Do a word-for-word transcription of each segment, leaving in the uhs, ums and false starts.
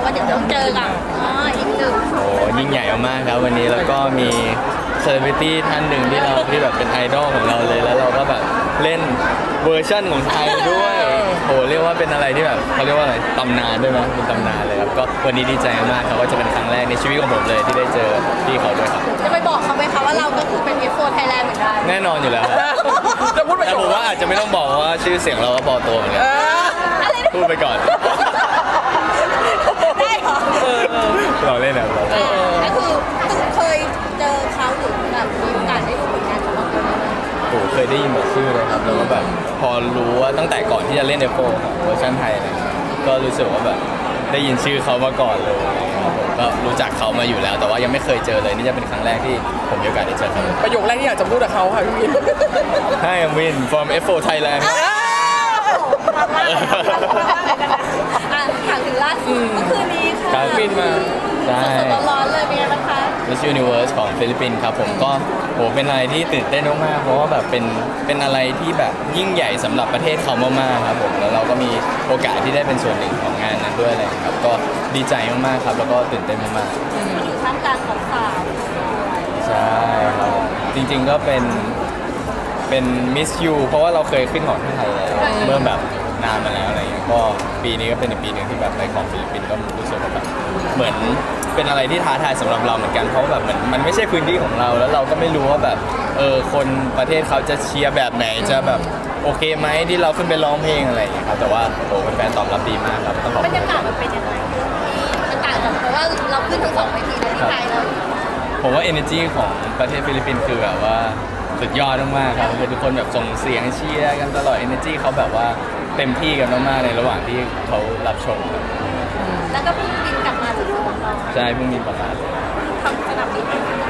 ว่าเดี๋ยวต้องเจอกับอ๋ออีกหนึ่งโอ้ยิ่งใหญ่มากครับวันนี้แล้วก็มีเซเลบริตี้ท่านหนึ่งที่เราที่แบบเป็นไอดอลของเราเลยแล้วเราก็แบบเล่นเวอร์ชั่นของไทยด้วยโอ้เรียกว่าเป็นอะไรที่แบบเขาเรียกว่าอะไรตำนานด้วยมั้ยเป็นตำนานเลยครับก็วันนี้ดีใจมากครับว่าจะเป็นครั้งแรกในชีวิตของผมเลยที่ได้เจอพี่เขาด้วยครับจะไปบอกเขาไหมคะว่าเราก็คือเป็น เอฟ โฟร์ Thailand เหมือนกันแน่นอนอยู่แล้วครับจะพูดไปแต่ผมว่าอาจจะไม่ต้องบอกว่าชื่อเสียงเราก็พอตัวเหมือนกันอะไรนะพูดไปก่อนได้เหรอเราเล่นแบบเราก็คือเคยเจอเขาหรือแบบมีโอกาสได้ดูผลงานของเขาไหมโอ้เคยได้ยินแบบชื่อเลยครับแล้วก็แบบพอรู้ว่าตั้งแต่ก่อนที่จะเล่นเอฟโฟครับเวอร์ชันไทยอะไรเงี้ยก็รู้สึกว่าแบบได้ยินชื่อเขามาก่อนเลยครับผมก็รู้จักเขามาอยู่แล้ว แต่ว่ายังไม่เคยเจอเลยนี่จะเป็นครั้งแรกที่ผมมีโอกาสได้เจอเขาประโยคแรกที่อยากจะพูดกับเขาค่ะพี่วิน Hi I'm Win from เอฟ โฟร์ Thailand อ่ะถามถึงล่าสุดเมื่อคืนนี้ค่ะครับบินมาใช่สดๆร้อนๆเลยเป็นไงบ้างคะ Miss Universe ของฟิลิปปินส์ครับผมก็โหเป็นอะไรที่ตื่นเต้นมากๆเพราะว่าแบบเป็นเป็นอะไรที่แบบยิ่งใหญ่สำหรับประเทศเขามากๆครับผมแล้วเราก็มีโอกาสที่ได้เป็นส่วนหนึ่งของงานนั้นด้วยอะไรครับก็ดีใจมากๆครับแล้วก็ตื่นเต้นมากๆอยู่ท่ามกลางของสาวใช่ครับจริงๆก็เป็นเป็นมิสยูเพราะว่าเราเคยขึ้นของที่ไทยแล้วเมื่อแบบนานมาแล้วอะไรเงี้ยก็ปีนี้ก็เป็นอีกปีหนึ่งที่แบบไปของฟิลิปปินส์ก็รู้สึกว่าแบบเหมือนเป็นอะไรที่ท้าทายสำหรับเราเหมือนกันเพราะว่าแบบเหมือนมันไม่ใช่พื้นที่ของเราแล้วเราก็ไม่รู้ว่าแบบเออคนประเทศเขาจะเชียร์แบบไหนจะแบบโอเคไหมที่เราขึ้นไปร้องเพลงอะไรอย่างเงี้ยครับแต่ว่าโอ้แฟนๆตอบรับดีมากครับต้องขอบบรคุณรยากาศมันเป็นยังไงมันต่างจากเพราะว่าเราขึ้นทั้งสองเวทีเลยที่ไทยเราผมว่า energy ของประเทศฟิลิปปินส์คือแบบว่าสุดยอดมากๆครับคือทุกคนแบบส่งเสียงเชียร์กันตลอด energy เขาแบบว่าเต็มที่กันมากๆในระหว่างที่เขารับชมครับแล้วก็เพิ่งบินกลับมาจากสวนเราใช่เพิ่งมีประมาณทำสนามบิน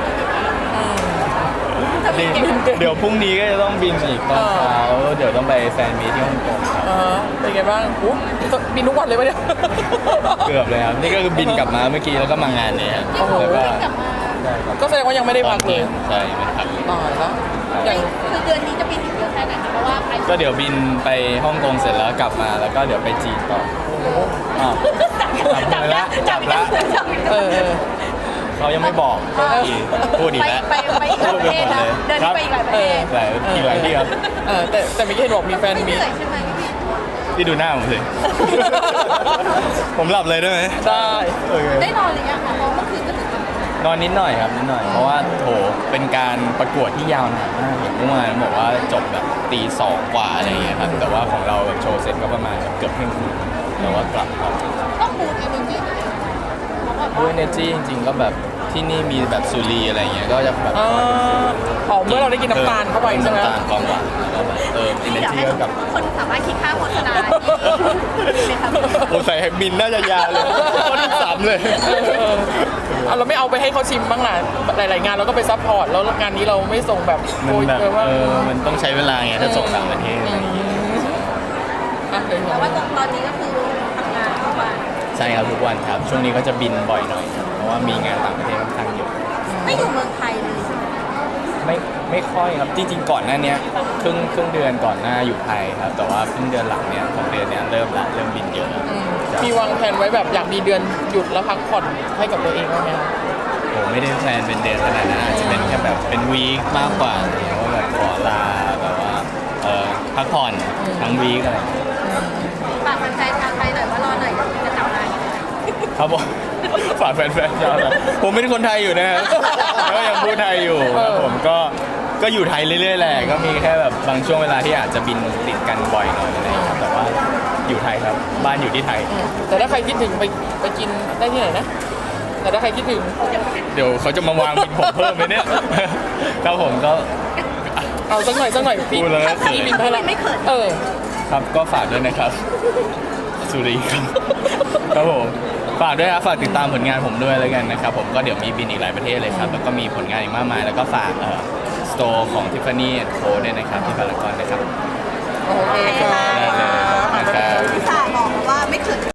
เดี๋ยวพรุ่งนี้ก็จะต้องบินอีกตอนเช้าเดี๋ยวต้องไปแฟนมีตที่ฮ่องกงครับเออเป็นไงบ้างอู้บินทุกวันเลยปะเนี่ยเกือบเลยครับนี่ก็คือบินกลับมาเมื่อกี้แล้วก็มางานเนี่ยครับที่ผมแล้วก็บินกลับมาใช่ครับก็แสดงว่ายังไม่ได้พักเลยใช่ไม่พักเลยตายแล้วอย่างคือเดือนนี้จะบินอีกเยอะแค่ไหนคะเพราะว่าไปก็เดี๋ยวบินไปฮ่องกงเสร็จแล้วกลับมาแล้วก็เดี๋ยวไปจีนต่ออ้าวจับได้จับได้จับได้เออเออเขายังไม่บอกพูดอีกแล้วไปไปอีกหลายประเทศนะเดินไปอีกหลายประเทศหลายอีกหลายที่ครับเออแต่แต่เมื่อกี้เห็นบอกมีแฟนไม่เหมีนื่อยใช่ไหมพี่พี่ดูหน้าผมสิ ผมหลับเลยได้ไหมได้โอเคได้นอนหรือยังคะเพราะเมื่อคืนก็ถึงนอนนิดหน่อยครับนิดหน่อย เพราะว่าโถเป็นการประกวดที่ยาวนานมากอย่างเมื่อวานบอกว่าจบแบบตีสองกว่าอะไรอย่างเงี้ยครับ แต่ว่าของเราแบบโชว์เสร็จก็ประมาณเกือบเที่ยงคืนแต่ว่ากลับครับต้องบูดเอเนจีเพราะแบบด้วยว่าเนจี้จริงๆก็แบบที่นี่มีแบบสุรีอะไรอย่างเงี้ย ก็จะแบบเอออ๋อเมื่อเราได้กินน้ำตาลเข้าไปใช่ไหมน้ำตาลความหวานแล้วก็แบบเติมเอเนอยากจีให้กับคนสามารถคิดค่าโฆษณาดีไหมครับโอ้ใส่แฮมบินน่าจะยาวเลยคนที่สามเลยเออเออเอาเราไม่เอาไปให้เขาชิมบ้างล่ะหลาย ๆ งานเราก็ไปซัพพอร์ตแล้วงานนี้เราไม่ส่งแบบมันโอยแบบเลยว่าเออมันต้องใช้เวลาไงถ้าส่งต่างประเทศอะไรอย่างเงี้ยอ่ะเดี๋ยวแต่ว่าตอนนี้ก็คือทำงานทุกวันใช่ครับทุกวันครับ ช่วงนี้ก็จะบินบ่อยหน่อยครับเพราะว่ามีงานต่างประเทศค่อนข้างเยอะไม่อยู่เมืองไทยเลยใช่ไหมไม่ไม่ค่อยครับจริงๆก่อนหน้าเนี้ยครึ่งครึ่งเดือนก่อนหน้าอยู่ไทยครับแต่ว่าครึ่งเดือนหลังเนี้ยของเดือนเนี้ยเริ่มละเริ่มบินเยอะแล้วอืมมีวางแผนไว้แบบอยากมีเดือนหยุดแล้วพักผ่อนให้กับตัวเองบ้างไหมคะผมไม่ได้แพลนเป็นเดือนขนาดนั้นอาจจะเป็นแค่แบบเป็นวีคมากกว่าอะไรอย่างเงี้ยว่าแบบขอลาแบบว่าเออพักผ่อนทั้งวีคอะไรอย่างเงี้ยฝากแฟนๆทางไทยหน่อยว่ารอหน่อยจะกลับมาครับผมฝากแฟนๆชาวไทยผมเป็นคนไทยอยู่นะครับก็ยังพูดไทยอยู่ครับผมก็ก็อยู่ไทยเรื่อยๆแหละก็มีแค่แบบบางช่วงเวลาที่อาจจะบินติดกันบ่อยหน่อยอะไรอย่างเงี้ยแต่ว่าอยู่ไทยครับบ้านอยู่ที่ไทยแต่ถ้าใครคิดถึงไปไปกินได้ที่ไหนนะ แต่ถ้าใครคิดถึงเดี๋ยวเขาจะมาวางบินผมเพิ่มไหมเนี่ย ครับผมก็เอาสักหน่อยสักหน่อยพี่พูดแล้วก็เขินพี่บินให้ละไม่เขินเออครับก็ฝากด้วยนะครับ สุรีครับครับผมฝากด้วยครับฝากติดตามผลงานผมด้วยแล้วกันนะครับผมก็เดี๋ยวมีบินอีกหลายประเทศเลยครับแล้วก็มีผลงานอีกมากมาย แล้วก็ฝากเอ่อสโตร์ของ Tiffany แอนด์ Co ด้วยนะครับที่พารากอนนะครับโอเคค่ะได้เลยนะครับพี่สาบอกว่าไม่เขิน